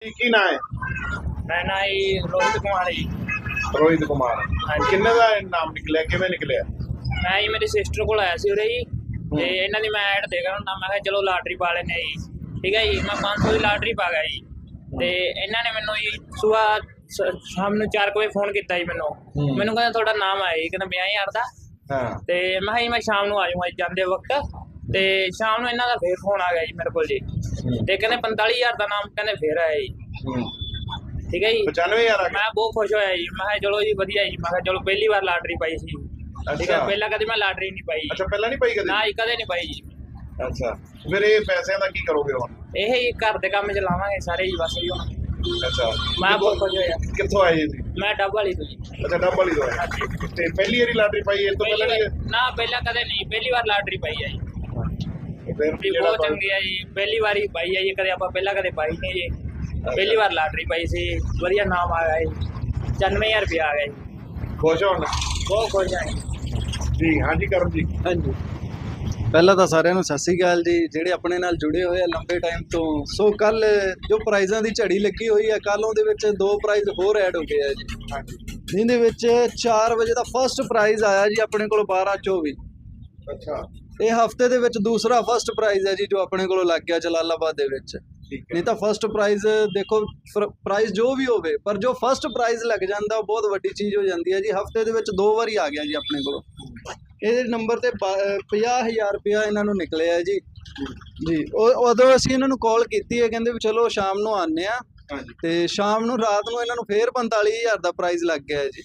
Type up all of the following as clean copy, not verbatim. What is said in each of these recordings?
ਕੀ ਨਾਂ ਹੈ? ਮੈਂ ਨਾ ਜੀ ਰੋਹਿਤ ਕੁਮਾਰ ਜੀ। ਰੋਹਿਤ ਕੁਮਾਰ। ਹਾਂਜੀ। ਕਿੰਨੇ ਦਾ ਨਾਮ ਨਿਕਲਿਆ, ਕਿਵੇਂ ਨਿਕਲਿਆ? ਮੈਂ ਜੀ ਮੇਰੀ ਸਿਸਟਰ ਕੋਲ ਆਇਆ ਸੀ ਉਰੇ ਜੀ, ਤੇ ਇਹਨਾਂ ਦੀ ਮੈਂ ਐਡ ਦੇਖਦਾ ਹੁੰਦਾ, ਮੈਂ ਕਿਹਾ ਚਲੋ ਲਾਟਰੀ ਪਾ ਲੈਂਦੇ ਜੀ। ਠੀਕ ਹੈ ਜੀ, ਮੈਂ 500 ਦੀ ਲਾਟਰੀ ਪਾ ਗਿਆ ਜੀ। ਤੇ ਇਹਨਾਂ ਨੇ ਮੈਨੂੰ ਜੀ ਸੁਬਾਹ ਸ਼ਾਮ ਨੂੰ 4 ਵਜੇ ਫੋਨ ਕੀਤਾ ਜੀ ਮੈਨੂੰ ਕਹਿੰਦਾ ਤੁਹਾਡਾ ਨਾਮ ਆਇਆ ਜੀ, ਕਹਿੰਦਾ 50,000 ਦਾ। ਹਾਂ। ਤੇ ਮੈਂ ਕਿਹਾ ਜੀ ਮੈਂ ਸ਼ਾਮ ਨੂੰ ਆ ਜਾਊਂਗਾ ਜਾਂਦੇ ਵਕਤ। ਤੇ ਸ਼ਾਮ ਨੂੰ ਇਹਨਾਂ ਦਾ ਫੇਰ ਫੋਨ ਆ ਗਿਆ ਜੀ ਮੇਰੇ ਕੋਲ ਜੀ, ਤੇ ਕਹਿੰਦੇ 45,000 ਦਾ ਨਾਮ ਕਹਿੰਦੇ ਫੇਰ ਆਇਆ ਜੀ। ਠੀਕ ਹੈ ਜੀ, 95,000 ਆ ਗਿਆ। ਮੈਂ ਬਹੁਤ ਖੁਸ਼ ਹੋਇਆ ਜੀ। ਮੈਂ ਕਿਹਾ ਚਲੋ ਜੀ ਵਧੀਆ ਜੀ, ਮੈਂ ਕਿਹਾ ਚਲੋ ਪਹਿਲੀ ਵਾਰ ਲਾਟਰੀ ਪਾਈ ਸੀ। ਠੀਕ ਹੈ, ਪਹਿਲਾਂ ਕਦੇ ਮੈਂ ਲਾਟਰੀ ਨਹੀਂ ਪਾਈ। ਅੱਛਾ, ਪਹਿਲਾਂ ਨਹੀਂ ਪਾਈ ਕਦੇ? ਨਾ ਜੀ, ਕਦੇ ਨਹੀਂ ਪਾਈ ਜੀ। ਅੱਛਾ, ਫਿਰ ਇਹ ਪੈਸਿਆਂ ਦਾ ਕੀ ਕਰੋਗੇ ਹੁਣ? ਇਹ ਹੀ ਘਰ ਦੇ ਕੰਮ ਚ ਲਾਵਾਂਗੇ ਸਾਰੇ ਜੀ, ਬਸ ਜੀ ਹੁਣ। ਅੱਛਾ, ਮੈਂ ਬਹੁਤ ਖੁਸ਼ ਹੋਇਆ। ਕਿੱਥੋਂ ਆਏ ਜੀ? ਮੈਂ ਡੱਬ ਵਾਲੀ ਤੋਂ ਜੀ। ਅੱਛਾ, ਡੱਬ ਵਾਲੀ ਤੋਂ ਆਏ। ਤੇ ਪਹਿਲੀ ਵਾਰੀ ਲਾਟਰੀ ਪਾਈ ਇਸ ਤੋਂ ਪਹਿਲਾਂ ਨਹੀਂ? ਨਾ, ਪਹਿਲਾਂ ਕਦੇ ਨਹੀਂ, ਪਹਿਲੀ ਵਾਰ ਲਾਟਰੀ ਪਾਈ ਹੈ ਜੀ। ਫਿਰ ਬਹੁਤ ਚੰਗੀ ਹੈ ਜੀ, ਪਹਿਲੀ ਵਾਰੀ ਪਾਈ ਹੈ ਜੀ, ਕਦੇ ਆਪਾਂ ਪਹਿਲਾਂ ਕਦੇ ਪਾਈ ਨਹੀਂ ਜੀ। ਪਹਿਲੀ ਵਾਰ ਲਾਟਰੀ ਪਾਈ ਸੀ, ਵਧੀਆ ਨਾਮ ਆ ਗਿਆ ਜੀ, 95,000 ਰੁਪਇਆ ਆ ਗਿਆ ਜੀ। ਖੁਸ਼ ਹੋਣ? ਬਹੁਤ ਖੁਸ਼ ਹਾਂ ਜੀ। ਹਾਂਜੀ ਕਰਨ ਜੀ। ਹਾਂਜੀ, ਪਹਿਲਾਂ ਤਾਂ ਸਾਰਿਆਂ ਨੂੰ ਸਤਿ ਸ਼੍ਰੀ ਅਕਾਲ ਜੀ, ਜਿਹੜੇ ਆਪਣੇ ਨਾਲ ਜੁੜੇ ਹੋਏ ਆ ਲੰਬੇ ਟਾਈਮ ਤੋਂ। ਸੋ ਕੱਲ ਜੋ ਪ੍ਰਾਈਜ਼ਾਂ ਦੀ ਝੜੀ ਲੱਗੀ ਹੋਈ ਹੈ, ਕੱਲ ਉਹਦੇ ਵਿੱਚ 2 ਪ੍ਰਾਈਜ਼ ਹੋਰ ਐਡ ਹੋ ਗਏ ਆ ਜੀ। ਹਾਂਜੀ। ਜਿਹਦੇ ਵਿੱਚ 4 ਵਜੇ ਦਾ ਫਸਟ ਪ੍ਰਾਈਜ਼ ਆਇਆ ਜੀ ਆਪਣੇ ਕੋਲ 1224। ਅੱਛਾ। ਇਹ ਹਫਤੇ ਦੇ ਵਿੱਚ ਦੂਸਰਾ ਫਸਟ ਪ੍ਰਾਈਜ਼ ਹੈ ਜੀ ਜੋ ਆਪਣੇ ਕੋਲੋਂ ਲੱਗ ਗਿਆ ਜਲਾਲਾਬਾਦ ਦੇ ਵਿੱਚ। ਨਹੀਂ ਤਾਂ ਫਸਟ ਪ੍ਰਾਈਜ਼ ਦੇਖੋ, ਪ੍ਰਾਈਜ਼ ਜੋ ਵੀ ਹੋਵੇ, ਪਰ ਜੋ ਫਸਟ ਪ੍ਰਾਈਜ਼ ਲੱਗ ਜਾਂਦਾ ਉਹ ਬਹੁਤ ਵੱਡੀ ਚੀਜ਼ ਹੋ ਜਾਂਦੀ ਹੈ ਜੀ। ਹਫਤੇ ਦੇ ਵਿੱਚ 2 ਵਾਰੀ ਆ ਗਿਆ ਜੀ ਆਪਣੇ ਕੋਲੋਂ। ਇਹਦੇ ਨੰਬਰ ਤੇ 50,000 ਰੁਪਇਆ ਇਹਨਾਂ ਨੂੰ ਨਿਕਲਿਆ ਜੀ। ਜੀ, ਉਦੋਂ ਅਸੀਂ ਇਹਨਾਂ ਨੂੰ ਕਾਲ ਕੀਤੀ ਹੈ, ਕਹਿੰਦੇ ਵੀ ਚਲੋ ਸ਼ਾਮ ਨੂੰ ਆਉਂਦੇ ਆ। ਤੇ ਸ਼ਾਮ ਨੂੰ ਰਾਤ ਨੂੰ ਇਹਨਾਂ ਨੂੰ ਫੇਰ 45,000 ਦਾ ਪ੍ਰਾਈਜ਼ ਲੱਗ ਗਿਆ ਜੀ।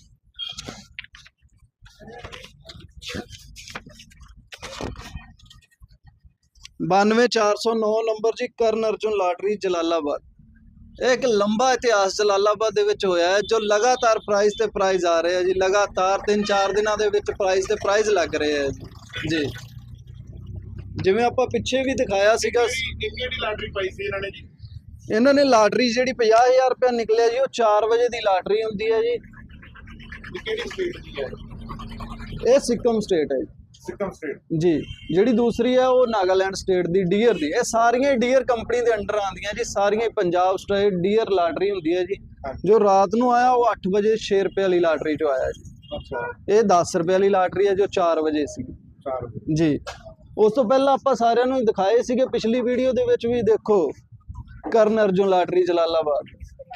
(92,409) ਨੰਬਰ ਜੀ, ਕਰਨ ਅਰਜੁਨ ਲਾਟਰੀ ਜਲਾਲਾਬਾਦ। ਇਹ ਇੱਕ ਲੰਬਾ ਇਤਿਹਾਸ ਜਲਾਲਾਬਾਦ ਦੇ ਵਿੱਚ ਹੋਇਆ ਹੈ, ਜੋ ਲਗਾਤਾਰ ਪ੍ਰਾਈਜ਼ ਤੇ ਪ੍ਰਾਈਜ਼ ਆ ਰਹੇ ਆ ਜੀ। ਲਗਾਤਾਰ 3-4 ਦਿਨਾਂ ਦੇ ਵਿੱਚ ਪ੍ਰਾਈਜ਼ ਤੇ ਪ੍ਰਾਈਜ਼ ਲੱਗ ਰਹੇ ਆ ਜੀ। ਜਿਵੇਂ ਆਪਾਂ ਪਿੱਛੇ ਵੀ ਦਿਖਾਇਆ ਸੀਗਾ। ਕਿਹੜੀ ਲਾਟਰੀ ਪਾਈ ਸੀ ਇਹਨਾਂ ਨੇ ਜੀ? ਇਹਨਾਂ ਨੇ ਲਾਟਰੀ ਜਿਹੜੀ 50,000 ਰੁਪਇਆ ਨਿਕਲਿਆ ਜੀ, ਉਹ 4 ਵਜੇ ਦੀ ਲਾਟਰੀ ਹੁੰਦੀ ਹੈ ਜੀ। ਕਿਹੜੀ ਸਟੇਟ ਦੀ ਹੈ? ਇਹ ਸਿੱਕਮ ਸਟੇਟ ਹੈ ਜੀ। ਸਿੱਕਮ ਸਟੇਟ ਜੀ। ਜਿਹੜੀ ਦੂਸਰੀ ਹੈ ਉਹ ਨਾਗਾਲੈਂਡ ਸਟੇਟ ਦੀ ਡੀਅਰ ਦੀ। ਇਹ ਸਾਰੀਆਂ ਡੀਅਰ ਕੰਪਨੀ ਦੇ ਅੰਡਰ ਆਉਂਦੀਆਂ ਜੀ, ਸਾਰੀਆਂ ਪੰਜਾਬ ਸਟੇਟ ਡੀਅਰ ਲਾਟਰੀ ਹੁੰਦੀ ਹੈ ਜੀ। ਜੋ ਰਾਤ ਨੂੰ ਆਇਆ ਉਹ 8 ਵਜੇ 6 ਰੁਪਏ ਵਾਲੀ ਲਾਟਰੀ 'ਚੋਂ ਆਇਆ ਜੀ। ਅੱਛਾ। ਇਹ 10 ਰੁਪਏ ਵਾਲੀ ਲਾਟਰੀ ਹੈ ਜੋ 4 ਵਜੇ ਸੀ 4 ਵਜੇ ਜੀ। ਉਸ ਤੋਂ ਪਹਿਲਾਂ ਆਪਾਂ ਸਾਰਿਆਂ ਨੂੰ ਦਿਖਾਏ ਸੀਗੇ ਪਿਛਲੀ ਵੀਡੀਓ ਦੇ ਵਿੱਚ ਵੀ, ਦੇਖੋ ਕਰਨ ਅਰਜੁਨ ਲਾਟਰੀ ਜਲਾਲਾਬਾਦ।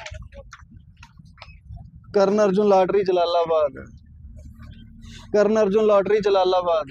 ਕਰਨ ਅਰਜੁਨ ਲਾਟਰੀ ਜਲਾਲਾਬਾਦ। ਕਰਨ ਅਰਜੁਨ ਲਾਟਰੀ ਜਲਾਲਾਬਾਦ।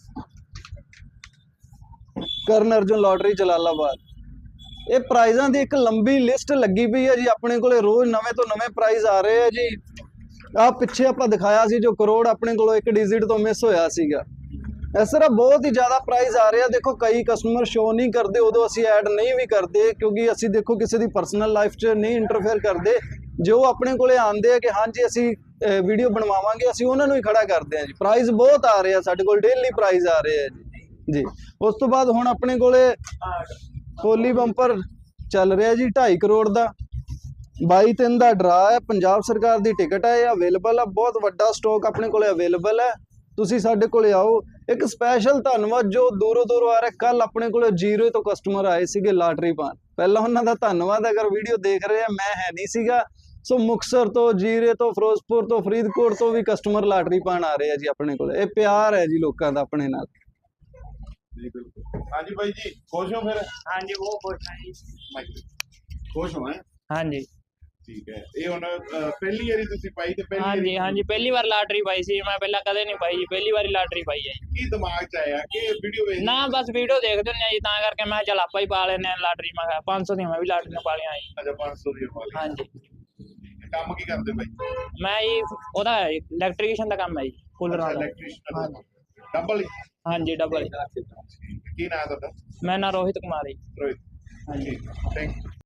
ਕਰਨ ਅਰਜੁਨ ਲਾਟਰੀ ਜਲਾਲਾਬਾਦ। ਇਹ ਪ੍ਰਾਈਜ਼ਾਂ ਦੀ ਇੱਕ ਲੰਬੀ ਲਿਸਟ ਲੱਗੀ ਪਈ ਹੈ ਜੀ ਆਪਣੇ ਕੋਲੇ। ਰੋਜ਼ ਨਵੇਂ ਤੋਂ ਨਵੇਂ ਪ੍ਰਾਈਜ਼ ਆ ਰਹੇ ਆ ਜੀ। ਆਹ ਪਿੱਛੇ ਆਪਾਂ ਦਿਖਾਇਆ ਸੀ ਜੋ ਕਰੋੜ ਆਪਣੇ ਕੋਲੋਂ 1 ਡਿਜਿਟ ਤੋਂ ਮਿਸ ਹੋਇਆ ਸੀਗਾ। ਇਸ ਤਰ੍ਹਾਂ ਬਹੁਤ ਹੀ ਜ਼ਿਆਦਾ ਪ੍ਰਾਈਜ਼ ਆ ਰਹੇ ਆ। ਦੇਖੋ, ਕਈ ਕਸਟਮਰ ਸ਼ੋ ਨਹੀਂ ਕਰਦੇ, ਉਦੋਂ ਅਸੀਂ ਐਡ ਨਹੀਂ ਵੀ ਕਰਦੇ, ਕਿਉਂਕਿ ਅਸੀਂ ਦੇਖੋ ਕਿਸੇ ਦੀ ਪਰਸਨਲ ਲਾਈਫ 'ਚ ਨਹੀਂ ਇੰਟਰਫੇਅਰ ਕਰਦੇ। ਜੋ ਆਪਣੇ ਕੋਲੇ ਆਉਂਦੇ ਆ ਕਿ ਹਾਂਜੀ ਅਸੀਂ ਵੀਡੀਓ ਬਣਵਾਵਾਂਗੇ, ਅਸੀਂ ਉਹਨਾਂ ਨੂੰ ਹੀ ਖੜਾ ਕਰਦੇ ਆ ਜੀ। ਪ੍ਰਾਈਜ਼ ਬਹੁਤ ਆ ਰਹੇ ਆ ਸਾਡੇ ਕੋਲ, ਡੇਲੀ ਪ੍ਰਾਈਜ਼ ਆ ਰਹੇ ਆ ਜੀ। ਉਸ ਤੋਂ ਬਾਅਦ ਹੁਣ ਆਪਣੇ ਕੋਲੇ ਹੋਲੀ ਬੰਪਰ ਚੱਲ ਰਿਹਾ ਜੀ 2.5 ਕਰੋੜ ਦਾ। 22/3 ਦਾ ਡਰਾ ਹੈ, ਪੰਜਾਬ ਸਰਕਾਰ ਦੀ ਟਿਕਟ ਹੈ, ਇਹ ਅਵੇਲੇਬਲ ਹੈ। ਬਹੁਤ ਵੱਡਾ ਸਟਾਕ ਆਪਣੇ ਕੋਲੇ ਅਵੇਲੇਬਲ ਹੈ, ਤੁਸੀਂ ਸਾਡੇ ਕੋਲੇ ਆਓ। ਇੱਕ ਸਪੈਸ਼ਲ ਧੰਨਵਾਦ ਜੋ ਦੂਰੋਂ ਦੂਰੋਂ ਆ ਰਿਹਾ। ਕੱਲ ਆਪਣੇ ਕੋਲੇ 0 ਤੋਂ ਕਸਟਮਰ ਆਏ ਸੀਗੇ ਲਾਟਰੀ ਪਾਉਣ, ਪਹਿਲਾਂ ਉਹਨਾਂ ਦਾ ਧੰਨਵਾਦ। ਅਗਰ ਵੀਡੀਓ ਦੇਖ ਰਹੇ ਆ, ਮੈਂ ਹੈ ਨਹੀਂ ਸੀਗਾ। ਸੋ ਮੁਕਤਸਰ ਤੋਂ, ਜੀਰੇ ਤੋਂ, ਫਿਰੋਜ਼ਪੁਰ ਤੋਂ, ਫਰੀਦਕੋਟ ਤੋਂ ਵੀ ਕਸਟਮਰ ਲਾਟਰੀ ਪਾਉਣ ਆ ਰਹੇ ਆ ਜੀ ਆਪਣੇ ਕੋਲ। ਇਹ ਪਿਆਰ ਹੈ ਜੀ ਲੋਕਾਂ ਦਾ ਆਪਣੇ ਨਾਲ ਜੀ। ਬਿਲਕੁਲ। ਹਾਂਜੀ ਬਾਈ ਜੀ, ਖੁਸ਼ ਹੋ ਫਿਰ? ਹਾਂਜੀ, ਬਹੁਤ ਖੁਸ਼ ਹਾਂ ਜੀ। ਖੁਸ਼ ਹੋ? ਹਾਂਜੀ। ਠੀਕ ਹੈ। ਇਹ ਹੁਣ ਪਹਿਲੀ ਵਾਰੀ ਤੁਸੀਂ ਪਾਈ ਤੇ ਹਾਂਜੀ ਹਾਂਜੀ, ਪਹਿਲੀ ਵਾਰ ਲਾਟਰੀ ਪਾਈ ਸੀ ਮੈਂ, ਪਹਿਲਾਂ ਕਦੇ ਨਹੀਂ ਪਾਈ ਜੀ, ਪਹਿਲੀ ਵਾਰੀ ਲਾਟਰੀ ਪਾਈ ਹੈ। ਕੀ ਦਿਮਾਗ 'ਚ ਆਇਆ ਕਿ ਵੀਡੀਓ ਵੇਖ? ਨਾ, ਬਸ ਵੀਡੀਓ ਦੇਖਦੇ ਹੁੰਦੇ ਆ ਜੀ, ਤਾਂ ਕਰਕੇ ਮੈਂ ਚੱਲ ਆਪਾਂ ਹੀ ਪਾ ਲੈਂਦੇ ਆ ਲਾਟਰੀ। ਮੈਂ ਕਿਹਾ 500 ਦੀਆਂ ਮੈਂ ਵੀ ਲਾਟਰੀਆਂ ਪਾ ਲਿਆ ਜੀ। ਅੱਛਾ, 500 ਦੀ ਪਾ ਲਈ। ਹਾਂਜੀ। ਕੰਮ ਕੀ ਕਰਦੇ ਬਾਈ? ਮੈਂ ਜੀ ਉਹਦਾ ਇਲੈਕਟ੍ਰੀਸ਼ੀਅਨ ਦਾ ਕੰਮ ਹੈ ਜੀ, ਕੂਲਰ ਵਾਲਾ। ਇਲੈਕਟ੍ਰੀਸ਼ੀਅਨ। ਡਬਲ? ਹਾਂਜੀ, ਡਬਲ। ਕੀ ਨਾਮ ਹੈ ਤੁਹਾਡਾ? ਮੈਂ ਨਾ ਰੋਹਿਤ ਕੁਮਾਰ ਜੀ। ਰੋਹਿਤ। ਹਾਂਜੀ। Thank you.